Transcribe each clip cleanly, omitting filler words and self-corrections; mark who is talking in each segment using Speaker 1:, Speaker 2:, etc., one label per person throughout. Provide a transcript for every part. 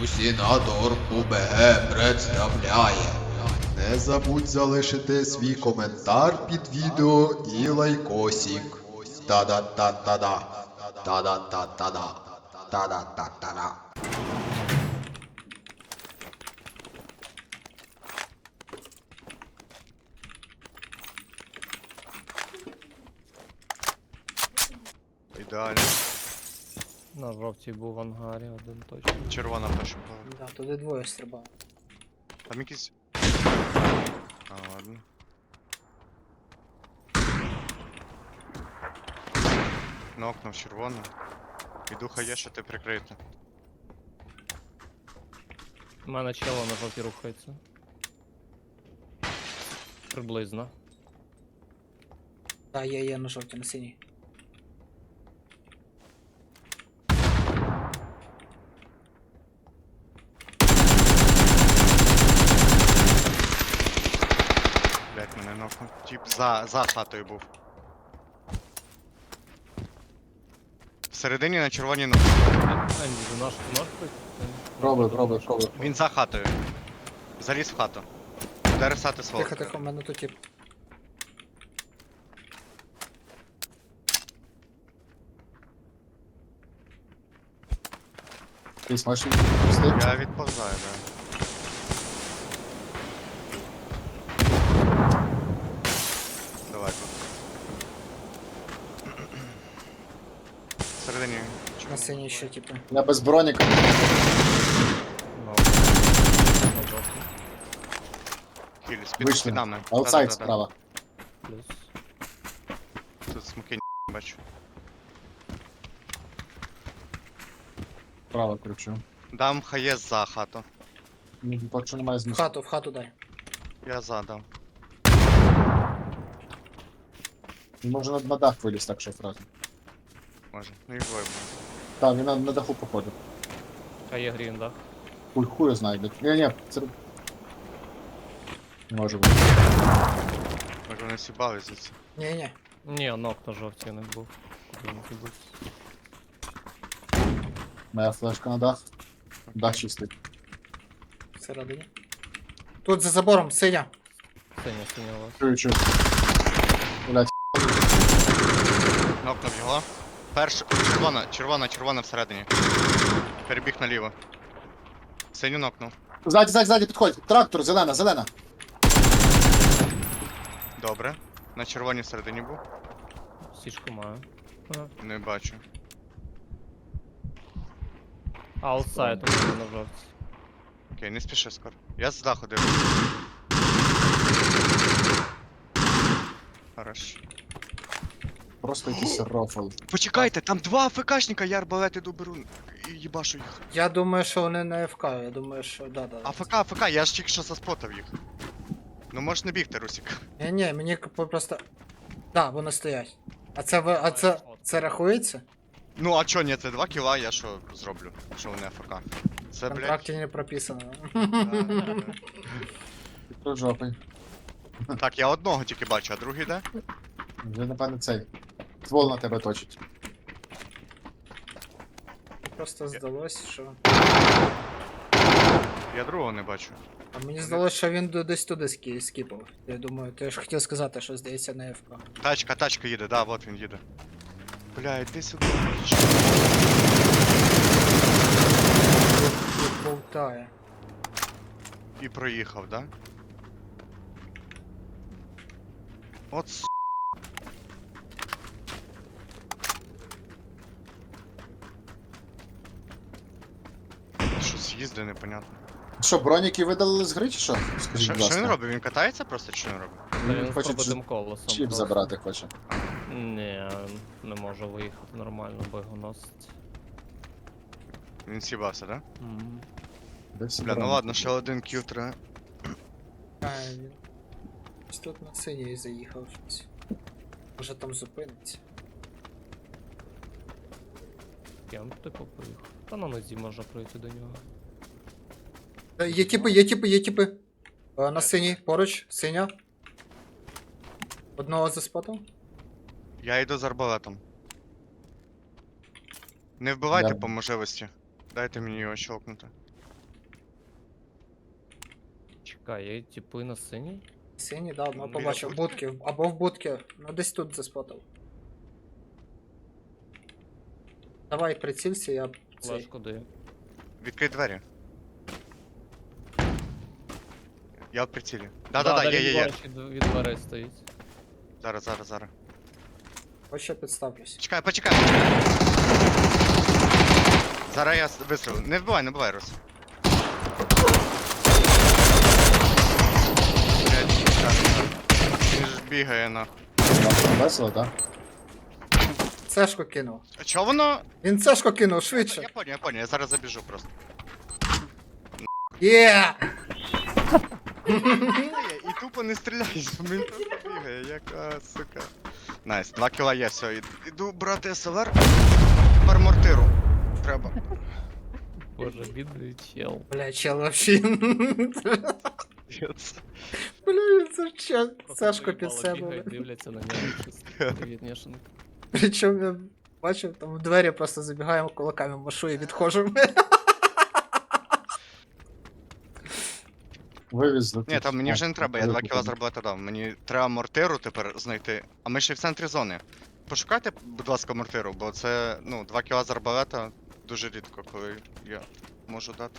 Speaker 1: Усінатор УБГ представляє. Не забудь залишити свій коментар під відео і лайкосик. Та-да-та-та-да. Та-да-та-та-да. Та-да-та-та-да.
Speaker 2: Ідеально.
Speaker 3: На жовтій був в ангарі один точно.
Speaker 2: Червона перша була.
Speaker 4: Да, туди двоє стрибали.
Speaker 2: Там якісь. А, ладно. На окно в червону. І духа є, що ти прикрити.
Speaker 3: У мене чело на жовтій рухається. Приблизно.
Speaker 4: Да, є на жовтій, на синій.
Speaker 2: Блять, мене нокнув. Тип за хатою був. Всередині на червоній ногу.
Speaker 3: Енді, за наш нож
Speaker 5: Пробуй.
Speaker 2: Він за хатою. Заліз в хату. Буде рисати свого.
Speaker 4: Тихо, в мене тут тип.
Speaker 5: Ти зможеш відпусти?
Speaker 2: Я відповзаю, да. Давай тут. Всередині.
Speaker 4: На синій ще типу.
Speaker 5: Я без броніка.
Speaker 3: на жовтій.
Speaker 2: Хілі,
Speaker 5: Вийшли.
Speaker 2: під нами.
Speaker 5: Аутсайд
Speaker 2: Да-да-да-да.
Speaker 5: справа.
Speaker 3: Плюс.
Speaker 2: Тут смоки бачу.
Speaker 5: Справа кручу.
Speaker 2: Дам хаєс за хату.
Speaker 5: Поки що немає
Speaker 4: В
Speaker 5: змісту.
Speaker 4: хату дай.
Speaker 2: Я задав.
Speaker 5: Він може на дах виліз, так що фразу.
Speaker 2: Може. Ну і двоє буде.
Speaker 5: Так, він на даху походив.
Speaker 3: А є грін, да?
Speaker 5: Хуй знайде. Ні, це... Не може бути.
Speaker 2: Може вони сібали звідси.
Speaker 4: Ні.
Speaker 3: Ні, нок на жовтій не був. Куди він забув?
Speaker 5: Моя флешка на дах. Дах чистий.
Speaker 4: Всередині. Тут за забором, синя.
Speaker 3: Синя у вас.
Speaker 5: Чую. Блять,
Speaker 2: Нокнув його. Перш. Червона всередині. Перебіг наліво. Синю нокнув.
Speaker 5: ззаді підходь. Трактор, зелена.
Speaker 2: Добре. На червоній всередині був.
Speaker 3: Сішку маю. Ага.
Speaker 2: Не бачу.
Speaker 3: Аутсайд у мене на жовтій.
Speaker 2: Окей, не спіши скоро. Я з даху дивлюсь. Хорош.
Speaker 5: Просто якийсь рофл.
Speaker 2: Почекайте, там два АФКшника, я арбалет іду беру і їбашу їх.
Speaker 4: Я думаю, що вони не АФК, я думаю, що да.
Speaker 2: АФК, я ж тільки що заспотав їх. Ну можеш не бігти, Русік.
Speaker 4: Ні, мені просто. Да, вони стоять. Це рахується?
Speaker 2: Ну а чо, ні, це 2 кіла, я що зроблю, що вони АФК.
Speaker 4: В
Speaker 2: Це, блядь.
Speaker 4: контракті не прописано.
Speaker 5: Тут жопий.
Speaker 2: Так, я одного тільки бачу, а другий де?
Speaker 5: Вже, напевно, цей. Ствол на тебе точить.
Speaker 4: Просто здалось, що.
Speaker 2: Я другого не бачу.
Speaker 4: А мені здалося, що він десь туди скіпав. Я думаю, ти ж хотів сказати, що здається на АФК.
Speaker 2: Тачка їде, да, вот він їде. Бля, іди сюди.
Speaker 4: Тут болтає.
Speaker 2: І проїхав, да? От с... Щось їздить, непонятно.
Speaker 5: Що, броніки видалили з гри чи що? Скажіть,
Speaker 2: Що
Speaker 5: будь ласка.
Speaker 2: він робить? Він катається просто чи що він робить?
Speaker 3: Та він
Speaker 5: хоче
Speaker 3: пробитим колесом.
Speaker 5: Чіп
Speaker 3: просто.
Speaker 5: забрати хоче.
Speaker 3: Ні, не може виїхати нормально, бо його носить.
Speaker 2: Він сібався, да?
Speaker 3: Мгм.
Speaker 5: Де всі
Speaker 2: Бля, ну
Speaker 5: броніки?
Speaker 2: ладно, ще один кіл треба.
Speaker 4: А, він. Ось тут на синій заїхав щось. Може там зупиниться.
Speaker 3: Кем типу поїхав? Та на нозі можна пройти до нього.
Speaker 4: Є типи. На синій, поруч, синя. Одного заспотав.
Speaker 2: Я йду з арбалетом. Не вбивайте
Speaker 5: Я-
Speaker 2: по можливості. Дайте мені його щелкнути.
Speaker 3: Чекай, є типи на синій?
Speaker 4: Синій, да, одного
Speaker 2: Біля
Speaker 4: побачив. В будки. Або в будки. Ну десь тут заспотав. Давай прицілься, я цей.
Speaker 3: Флешку даю.
Speaker 2: Відкрий двері. Я в прицілі. Да, є.
Speaker 3: Від дверей стоїть.
Speaker 2: Зараз.
Speaker 4: Ось ще підставлюсь.
Speaker 2: Почекай. Зараз я вистрілю. Не вбивай, Рус. Блядь, він ж бігає на.
Speaker 5: Весело, так?
Speaker 4: Цешку кинув.
Speaker 2: А чого воно?
Speaker 4: Він цешку кинув, швидше.
Speaker 2: Я понял, я зараз забіжу просто.
Speaker 4: Є!
Speaker 2: І тупо не стріляй, він просто бігає, яка сука. Найс, 2 кіла є, все, іду брати СЛР. Тепер мортиру. Треба.
Speaker 3: Боже, бідний чел.
Speaker 4: Бля, чел вообще. Бля, це ж чел. Цешку під себе.
Speaker 3: Бігають, дивляться на нього чисто. Привіт, Нєшенко.
Speaker 4: Причому я бачив, там в двері просто забігаємо кулаками машу і відходжу.
Speaker 5: Вивезли.
Speaker 2: Ні, там мені вже не треба, я 2 кіла з арбалета дав. Мені треба мортиру тепер знайти. А ми ще в центрі зони. Пошукайте, будь ласка, мортиру, бо це, 2 кіла з арбалета дуже рідко, коли я можу дати.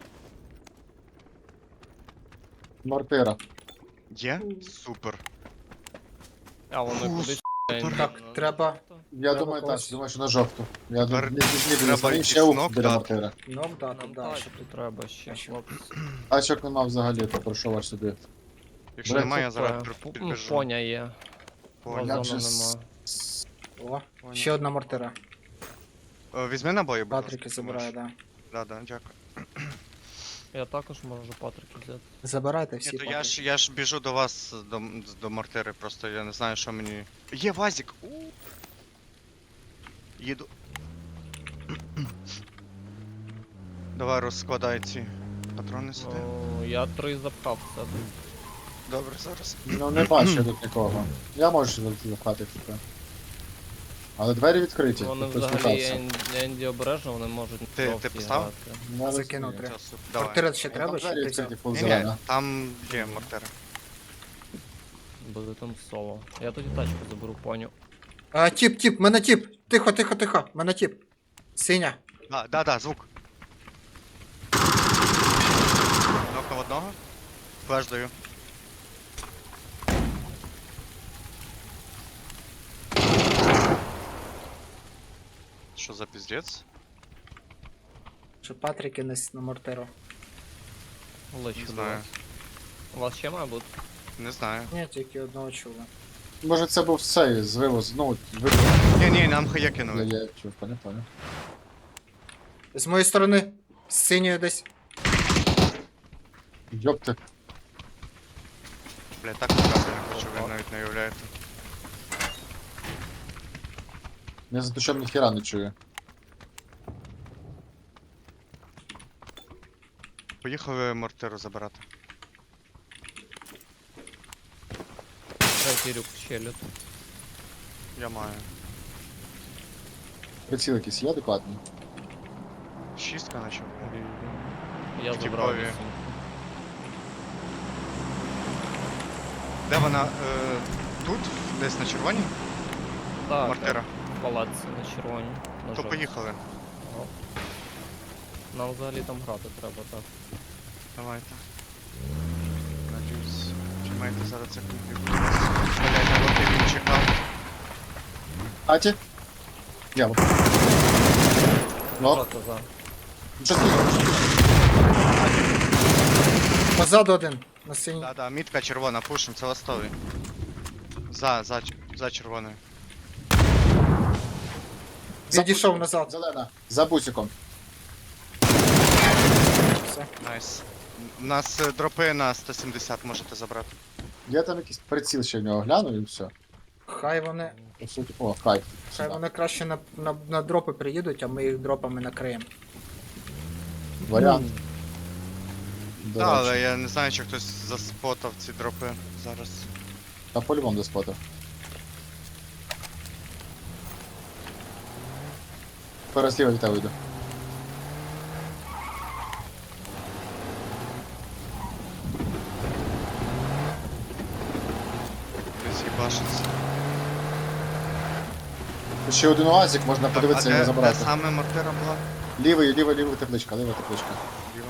Speaker 5: Мортира.
Speaker 2: Є? Супер.
Speaker 3: А вони
Speaker 2: Фу,
Speaker 3: кудись.
Speaker 4: Так, треба.
Speaker 5: Я
Speaker 4: Треба
Speaker 5: думаю,
Speaker 4: когось.
Speaker 5: думаю, що на жовту. Я
Speaker 2: Тепер
Speaker 5: думаю,
Speaker 2: треба
Speaker 5: не ще
Speaker 2: якийсь
Speaker 5: ух
Speaker 2: нок
Speaker 5: біля
Speaker 2: дати.
Speaker 5: мортира.
Speaker 4: Нок дати,
Speaker 3: Нам
Speaker 4: да.
Speaker 3: тачку треба ще, хлопці.
Speaker 5: Тачок нема взагалі, то пройшов аж сюди.
Speaker 2: Якщо
Speaker 5: Блядь,
Speaker 2: немає, я зараз
Speaker 3: Ну,
Speaker 2: підбіжу.
Speaker 3: поня є.
Speaker 2: Понял.
Speaker 5: Я
Speaker 3: Вазона
Speaker 5: вже
Speaker 3: нема.
Speaker 4: О, ще одна мортира.
Speaker 2: Візьми набої, будь ласка.
Speaker 4: Патрики
Speaker 2: якщо
Speaker 4: забирає,
Speaker 2: можеш.
Speaker 4: да.
Speaker 2: Да, дякую.
Speaker 3: Я також можу Патрики взяти.
Speaker 4: Забирайте
Speaker 2: Ні,
Speaker 4: всі
Speaker 2: то
Speaker 4: патрики.
Speaker 2: я ж біжу до вас, до мортири, просто я не знаю, що мені. Є вазик! Їду. Давай розкладай ці патрони сюди.
Speaker 3: Ну, я 3 запхав все.
Speaker 2: Добре, зараз.
Speaker 5: Ну не бачу тут нікого. Я можу запхати типу. Але двері відкриті.
Speaker 3: Вони
Speaker 5: тобто
Speaker 3: взагалі
Speaker 5: спускатися.
Speaker 3: Енді обережно, вони можуть
Speaker 2: Ти
Speaker 3: жовті
Speaker 2: поставив?
Speaker 3: грати.
Speaker 5: Я
Speaker 4: Закинув
Speaker 5: розумію.
Speaker 4: 3.
Speaker 2: Все, супер, давай.
Speaker 4: Мортира ще
Speaker 5: Там
Speaker 4: треба, чи
Speaker 5: двері
Speaker 4: ти взяв?
Speaker 5: відкриті, фул
Speaker 2: Ні,
Speaker 5: зелена.
Speaker 2: там є мортира.
Speaker 3: Буде там соло. Я тоді тачку заберу, поню.
Speaker 4: А, тіп, мене тіп. Тихо. Мене тіп. Синя.
Speaker 2: Да, звук. Нокнув одного. Флеш даю. Що за піздець?
Speaker 4: Чи патрики на мортиру?
Speaker 3: Лечу
Speaker 2: Не
Speaker 3: до
Speaker 2: знаю.
Speaker 3: вас. У вас ще має бути?
Speaker 2: Не знаю.
Speaker 4: Ні, тільки одного чула.
Speaker 5: Може це був цей з вивоз, ну,
Speaker 2: Ні, нам хая кинули.
Speaker 5: я чув, поняв.
Speaker 4: З моєї сторони. З синьою десь.
Speaker 5: Йопти.
Speaker 2: Бля, так показати не хочу, ви навіть не уявляєте.
Speaker 5: Я за те, що ніхіра не чую.
Speaker 2: Поїхали мортиру забирати.
Speaker 3: Третій рюк щелюt.
Speaker 2: Я маю.
Speaker 5: Приціл якийсь є адекватний?
Speaker 2: Шістка наче.
Speaker 3: Я
Speaker 2: В
Speaker 3: забрав
Speaker 2: типові.
Speaker 3: 8.
Speaker 2: Де вона? Тут? Десь на червоній?
Speaker 3: Так,
Speaker 2: Мортира.
Speaker 3: в палаці на червоній. На
Speaker 2: То
Speaker 3: жовтій.
Speaker 2: поїхали.
Speaker 3: Ага. Нам взагалі там грати треба, так.
Speaker 2: Давайте. Надіюсь. Чи маєте зараз це комп'ютер? Блядь, поки він чекав.
Speaker 5: Аті? Я. Ну,
Speaker 3: Жовта за.
Speaker 5: що ти?
Speaker 4: Позаду один. На синій.
Speaker 2: Да, мітка червона, пушим, це ластовий. За червоною.
Speaker 4: Відійшов назад.
Speaker 5: Зелена. За бусиком.
Speaker 4: Все.
Speaker 2: Найс. У нас дропи на 170 можете забрати.
Speaker 5: Я там якийсь приціл ще в нього гляну і все.
Speaker 4: Хай вони.
Speaker 5: По суті, о, хайп.
Speaker 4: Хай вони краще на дропи приїдуть, а ми їх дропами накриємо.
Speaker 5: Варіант. До
Speaker 2: Так, але
Speaker 5: речі.
Speaker 2: я не знаю, чи хтось заспотав ці дропи зараз.
Speaker 5: Та по-любому до спота. Зараз ліво від тебе вийду.
Speaker 2: їбашиться.
Speaker 5: Ще один оазик, можна
Speaker 2: Так,
Speaker 5: подивитися і
Speaker 2: де
Speaker 5: забрати.
Speaker 2: саме мортира була?
Speaker 5: Лівий тепличка, ліва тепличка.
Speaker 2: Ліва.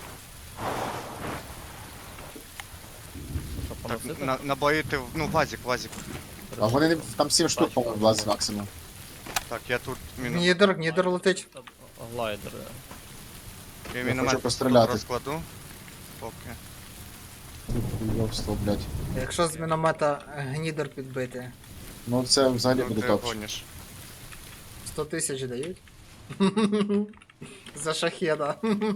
Speaker 3: Що,
Speaker 2: Так,
Speaker 3: поносити?
Speaker 2: набої ти, ну, вазик.
Speaker 5: А вони там 7 штук, по-моєму, влазить максимум.
Speaker 2: Так, я тут мінус.
Speaker 4: Нідер летить.
Speaker 3: Глайдери.
Speaker 2: Я
Speaker 5: хочу
Speaker 2: міномет
Speaker 5: постріляти.
Speaker 2: розкладу. Поки.
Speaker 5: Йобство, блядь.
Speaker 4: Якщо з міномета гнідер підбити,
Speaker 5: Ну це взагалі
Speaker 2: Ну,
Speaker 5: буде
Speaker 2: ти
Speaker 5: топ.
Speaker 2: гониш.
Speaker 4: 100 тисяч дають. За шахеда.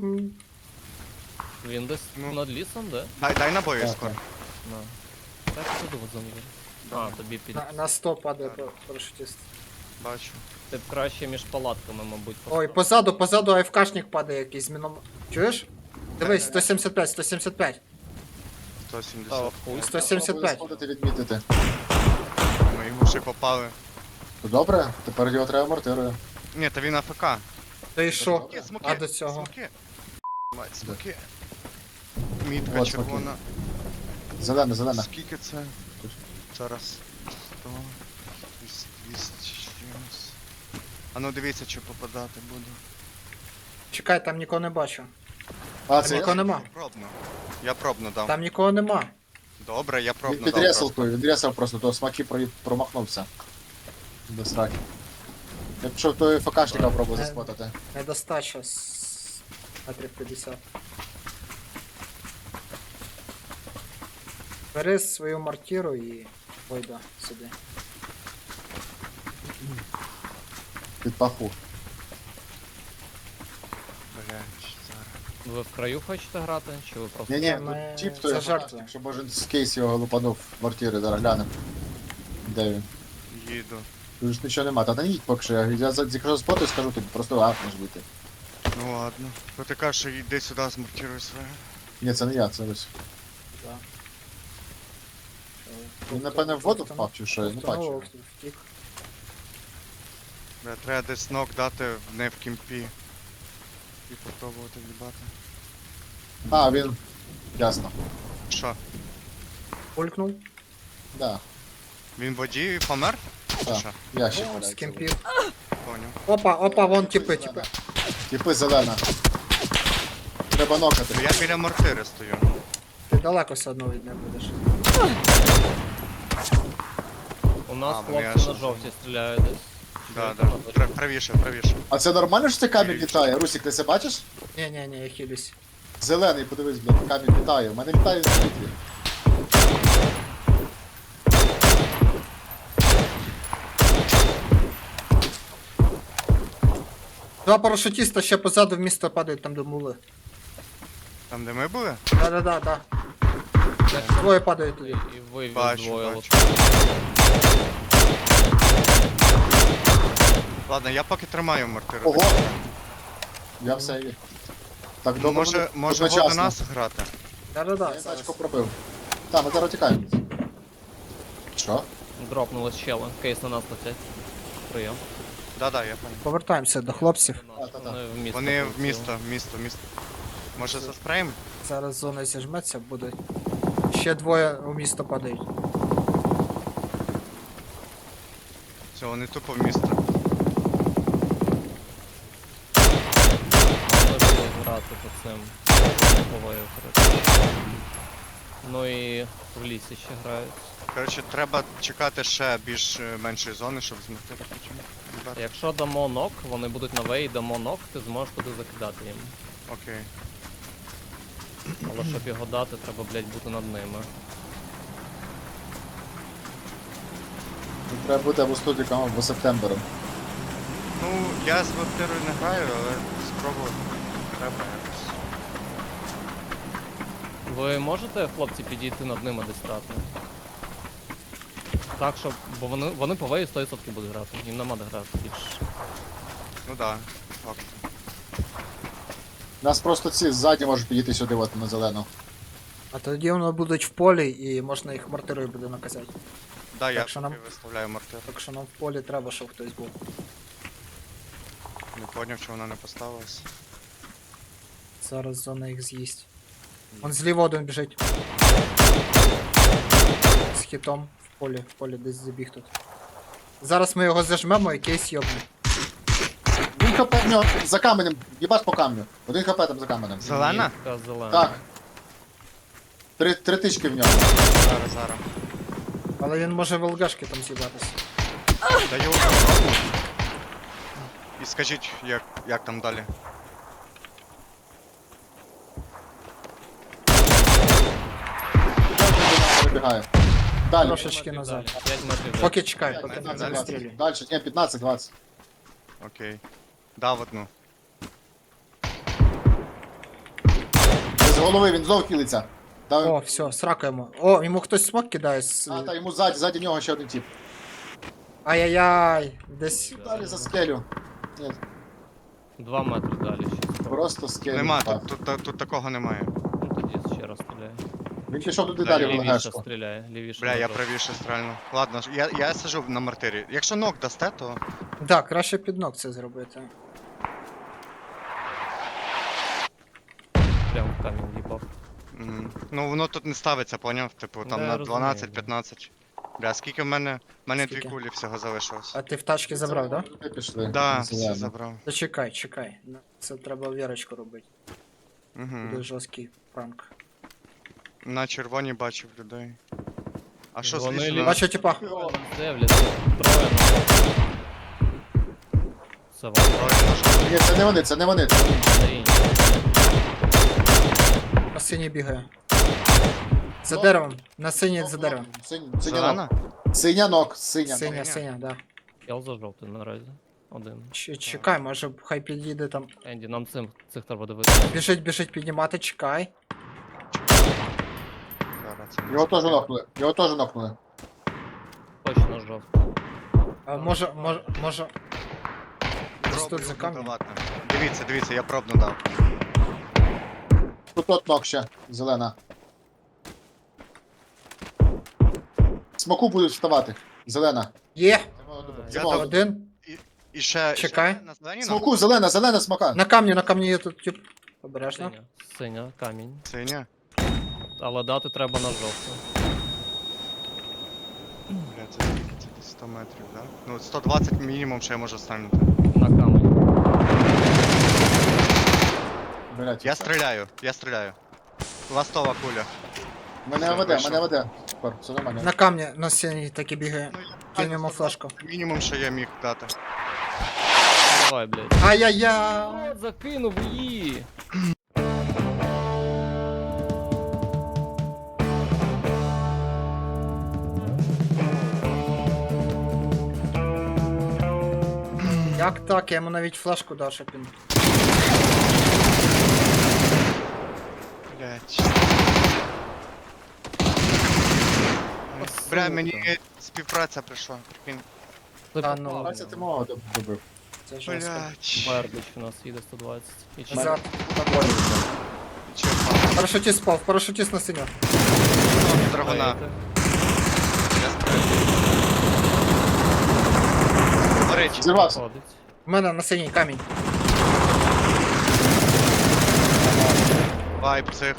Speaker 3: Він десь
Speaker 2: Ну.
Speaker 3: над лісом, де?
Speaker 2: Дай набої
Speaker 5: Так,
Speaker 2: скоро.
Speaker 3: На. Так, туди в землі. А, тобі під...
Speaker 4: На 100 падає парашутист.
Speaker 2: Бачу.
Speaker 3: Ти б краще між палатками, мабуть,
Speaker 4: Ой, позаду АФКшник падає якийсь з міном... Чуєш? Дивись, 175.
Speaker 2: 170.
Speaker 3: Та, хуй.
Speaker 4: 175.
Speaker 5: Сходити відмітити.
Speaker 2: Ми йому ще попали.
Speaker 5: То добре, тепер його треба мортирою.
Speaker 2: Ні, та він АФК.
Speaker 4: Та й що?
Speaker 2: Смоки,
Speaker 4: А до цього?
Speaker 2: Смоки. Мать, смоки. Мітка
Speaker 5: От,
Speaker 2: червона.
Speaker 5: Зелена.
Speaker 2: Скільки це? Зараз. 100, 200 чимось. А ну дивіться, чи попадати буду.
Speaker 4: Чекай, там нікого не бачу.
Speaker 5: А,
Speaker 4: Там
Speaker 5: це
Speaker 4: нікого нема.
Speaker 2: Пробно. Я пробно дав.
Speaker 4: Там нікого нема.
Speaker 2: Добре, я
Speaker 5: він
Speaker 2: пробно
Speaker 5: під
Speaker 2: дав.
Speaker 5: реселкою, він ресав просто, то смаки промахнувся. До сраки. Я пішов той ФКшника пробував заспотати.
Speaker 4: Недостача з метрів 50. Бери свою мортиру і вийде сюди.
Speaker 5: Під паху.
Speaker 2: Блядь, зараз.
Speaker 3: Ви в краю хочете грати? Чи ви просто...
Speaker 5: Ні,
Speaker 4: Ми-
Speaker 5: тип
Speaker 4: це
Speaker 5: той
Speaker 4: жертва.
Speaker 5: ФКшник, щоб може з кейс його лупанув в мортири, зараз глянем. Де він?
Speaker 2: Їду.
Speaker 5: Тут ж нічого нема, та не їдь поки що, я якщо спотаю, скажу тобі, просто гапнеш вийти.
Speaker 2: Ну ладно. Ну ти кажеш, що йди сюди, змонтируй своє.
Speaker 5: Ні, це не я, це ось.
Speaker 4: Да.
Speaker 5: Він, напевне, в воду впав чи що, я не бачу.
Speaker 4: Втік.
Speaker 2: Бля, треба десь нок дати не в кімпі. І попробувати в'їбати.
Speaker 5: А, він. Ясно.
Speaker 2: Що?
Speaker 4: Пулькнув.
Speaker 5: Да.
Speaker 2: Він в воді і помер? Чи
Speaker 5: Так.
Speaker 2: що?
Speaker 5: Ящик.
Speaker 4: З
Speaker 5: валяється.
Speaker 4: кемпів.
Speaker 2: Поняв.
Speaker 4: Опа, вон тіпи.
Speaker 5: Типи зелена. Треба нокати.
Speaker 2: Ну я біля мортири стою.
Speaker 4: Ти далеко все одно від них будеш.
Speaker 3: У нас
Speaker 2: А, вони
Speaker 3: хлопці
Speaker 2: аж-
Speaker 3: на жовті стріляють десь.
Speaker 2: Да. Правіше.
Speaker 5: А це нормально, що це камінь літає? Русик, ти це бачиш?
Speaker 4: Ні, я хилюсь.
Speaker 5: Зелений, подивись, блядь, камінь літає. У мене літає в світлі.
Speaker 4: Два парашутіста ще позаду в місто падають, там де мули.
Speaker 2: Там де ми були?
Speaker 4: Да. Двоє падають туди.
Speaker 3: І ви
Speaker 2: Бачу,
Speaker 3: двоє
Speaker 2: бачу. Ладно, я поки тримаю мортиру.
Speaker 5: Ого! Я все є. Так,
Speaker 2: Ну,
Speaker 5: добре.
Speaker 2: може ви до нас грати?
Speaker 4: Да.
Speaker 5: Я
Speaker 4: зараз.
Speaker 5: тачку пробив. Так, ми зараз тікаємо. Що?
Speaker 3: Дропнули щели. Кейс на нас летять. Прийом.
Speaker 2: Да, я пам'ятаю.
Speaker 4: Повертаємося до хлопців.
Speaker 5: Та-та-та.
Speaker 3: Вони в місто.
Speaker 2: Вони в
Speaker 3: полетіли.
Speaker 2: місто. Може заспреєм?
Speaker 4: Зараз зона зіжметься, будуть. Ще двоє у місто падають.
Speaker 2: Все, вони тупо в місто.
Speaker 3: Вони будуть грати по цим. Повою, коротше. Ну і в лісі ще грають.
Speaker 2: Коротше, треба чекати ще більш меншої зони, щоб змогти потім. їбати.
Speaker 3: Якщо дамо нок, вони будуть на вей, дамо нок, ти зможеш туди закидати їм.
Speaker 2: Окей.
Speaker 3: Але щоб його дати, треба, блядь, бути над ними.
Speaker 5: Тут треба бути або студіком, або септембером.
Speaker 2: Ну, я з вампірою не граю, але спробувати треба якось.
Speaker 3: Ви можете, хлопці, підійти над ними десь стати? Так, щоб. Бо вони по вею 100% будуть грати. Їм нема де грати більше.
Speaker 2: Ну да, факт.
Speaker 5: Нас просто ці ззаді можуть підійти сюди, от на зелену.
Speaker 4: А тоді вони будуть в полі і можна їх мортирою буде наказати.
Speaker 2: Да, я
Speaker 4: що нам-
Speaker 2: поки виставляю мортиру.
Speaker 4: Так що нам в полі треба, щоб хтось був.
Speaker 2: Не поняв, чого вона не поставилась.
Speaker 4: Зараз зона їх з'їсть. Вон зліва один біжить. З хітом. В полі десь забіг тут. Зараз ми його зажмемо і кейс йобне.
Speaker 5: Він хп в нього за каменем, їбаш по камню. Один хп там за каменем.
Speaker 2: Зелена?
Speaker 3: Мітка зелена.
Speaker 5: Так. Три тички в нього.
Speaker 2: Зараз.
Speaker 4: Але він може в ЛГшки там з'їбатися.
Speaker 2: Даю. І скажіть, як там далі.
Speaker 5: Вибігає. Далі.
Speaker 4: Трошечки назад.
Speaker 3: 5 метрів. далі.
Speaker 4: Поки чекай, поки не
Speaker 5: 15-20.
Speaker 4: вистрілюй.
Speaker 5: Далі, ні, 15-20.
Speaker 2: Окей. Дав одну.
Speaker 5: З голови він знов хилиться.
Speaker 4: О, все, сракаємо. О, йому хтось смок кидає з...
Speaker 5: Та йому ззаді нього ще один тип.
Speaker 4: Ай-яй-яй. Десь...
Speaker 5: Далі за скелю. Ні,
Speaker 3: 2 метри далі ще.
Speaker 5: просто скелю.
Speaker 2: Нема,
Speaker 5: Так.
Speaker 2: тут такого немає.
Speaker 3: Ну тоді ще раз стріляє.
Speaker 5: Він пішов туди
Speaker 2: Да,
Speaker 5: далі в
Speaker 3: Лівіше
Speaker 5: ЛГшку.
Speaker 3: стріляє, лівіше.
Speaker 2: Бля, я
Speaker 3: нажав.
Speaker 2: правіше стрельну. Ладно, я сижу на мортирі. Якщо ног дасте, то.
Speaker 4: Так, краще під ног це зробити.
Speaker 3: Прям в камінь їбав.
Speaker 2: Ну воно тут не ставиться, поняв? Типу там
Speaker 3: Да,
Speaker 2: на
Speaker 3: я розумію,
Speaker 2: 12-15. Бля, скільки в мене? В мене 2
Speaker 4: Скільки?
Speaker 2: кулі всього залишилось.
Speaker 4: А ти в тачки забрав, да?
Speaker 5: Туди пішли.
Speaker 2: Да,
Speaker 5: Зелено.
Speaker 2: все забрав.
Speaker 4: Та чекай. Це треба вірочку робити. Буде
Speaker 2: Угу.
Speaker 4: жорсткий пранк.
Speaker 2: На червоній бачив людей. А що
Speaker 3: Вони
Speaker 2: зліше?
Speaker 3: лі-
Speaker 4: Бачу, типа.
Speaker 3: Дивляться. Троє на. Це вам.
Speaker 5: Ні, це не вони, це не вони. Це вони.
Speaker 3: Це інші.
Speaker 4: На синій бігає. За деревом. На синій за деревом.
Speaker 5: Синянок.
Speaker 2: Зелена?
Speaker 5: Синянок, синя.
Speaker 4: Синя, да.
Speaker 3: Я за жовтий наразі. Один.
Speaker 4: Чекай, може хай під'їде там.
Speaker 3: Енді, нам цих треба дивитися.
Speaker 4: Біжить піднімати, чекай.
Speaker 2: Зараз це не
Speaker 5: Його теж
Speaker 2: знаю.
Speaker 5: нокнули. Його теж нокнули.
Speaker 3: Точно жовтий.
Speaker 4: А, може. Десь
Speaker 2: Пробую
Speaker 4: тут за камнем.
Speaker 2: будувати. Дивіться, я пробну дав.
Speaker 5: Тут от нок ще. Зелена. Смоку будуть вставати. Зелена.
Speaker 4: Є!
Speaker 2: Я
Speaker 5: Смок.
Speaker 2: дав-
Speaker 4: Один.
Speaker 2: І ще.
Speaker 4: Чекай.
Speaker 2: ще на зелені
Speaker 5: Смоку, зелена смока.
Speaker 4: На камні є тут тип. Обережно.
Speaker 3: Синя, камінь.
Speaker 2: Синя.
Speaker 3: Але дати треба на жовту.
Speaker 2: Бля, це скільки? Це десь 100 метрів, да? Ну, 120 мінімум ще я можу станути.
Speaker 3: На камінь.
Speaker 5: Блять,
Speaker 2: Я стріляю. Ластова куля.
Speaker 5: Мене веде. Тепер, все нормально.
Speaker 4: На камні на синій таки бігає. Кинь йому флешку.
Speaker 2: Мінімум, що я міг дати.
Speaker 3: Давай, блядь.
Speaker 4: Ай-яй-яй!
Speaker 3: Закинув її.
Speaker 4: Як так? Я йому навіть флешку дав, щоб він.
Speaker 2: Блять. Бля, мені співпраця прийшла. Прикинь.
Speaker 4: Та ну.
Speaker 5: Бачите, ти мого добив.
Speaker 4: Це жорстко.
Speaker 2: Блять.
Speaker 3: Бердич у нас їде 120. І чи
Speaker 4: Назад.
Speaker 2: Чого?
Speaker 4: Парашутіст спав, парашутіст на синю.
Speaker 2: Драгуна. Я стріляю. Горить.
Speaker 5: Зірвався.
Speaker 3: Ходить.
Speaker 4: У мене на синій камінь.
Speaker 2: Вайп цих.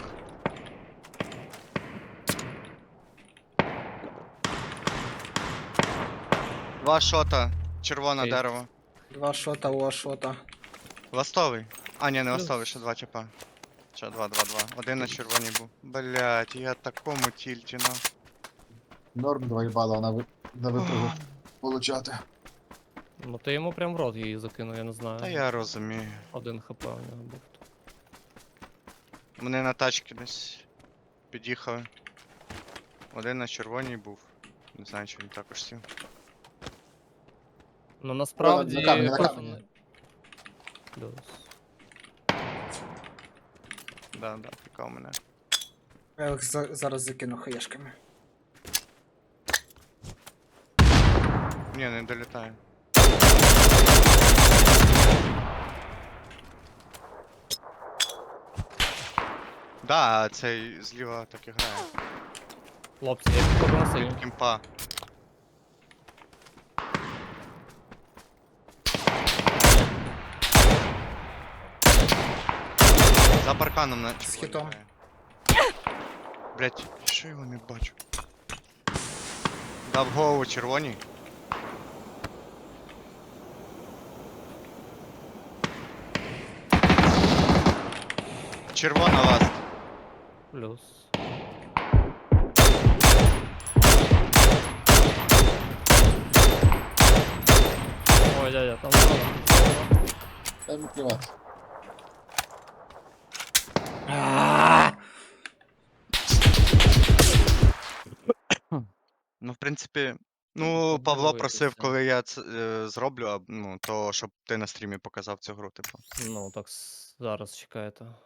Speaker 2: Два шота. Червоне
Speaker 3: Окей.
Speaker 2: дерево.
Speaker 4: Два шота, о шота.
Speaker 2: Ластовий. А, ні, не ластовий, ще два чіпа. Ще два. Один на червоній був. Блять, я такому тільті, ну.
Speaker 5: Норм 2 їбала на випрыгу получати.
Speaker 3: Ну ти йому прям в рот її закинув, я не знаю.
Speaker 2: Та я розумію.
Speaker 3: 1 хп у нього був.
Speaker 2: Вони на тачки десь під'їхали. Один на червоній був. Не знаю, чи він також сів.
Speaker 3: Ну насправді.
Speaker 5: На камені, на камені.
Speaker 3: Плюс.
Speaker 2: Да, пікав мене.
Speaker 4: Я їх зараз закину хаєшками.
Speaker 2: Ні, не долітає. Да, цей зліва так і грає.
Speaker 3: Хлопці, я підходжу на синю.
Speaker 2: Кімпа. За парканом на червоній
Speaker 4: хітом.
Speaker 2: грає. Блять, що його не бачу? Дав голову червоній. Червона ласт.
Speaker 3: Плюс. Ой, дядя, там зона.
Speaker 5: Дай мені плювати.
Speaker 2: Ну, в принципі,
Speaker 3: Ну,
Speaker 2: Павло
Speaker 3: подивитися.
Speaker 2: просив, коли я це зроблю, то щоб ти на стрімі показав цю гру, типу.
Speaker 3: Ну, так зараз чекайте.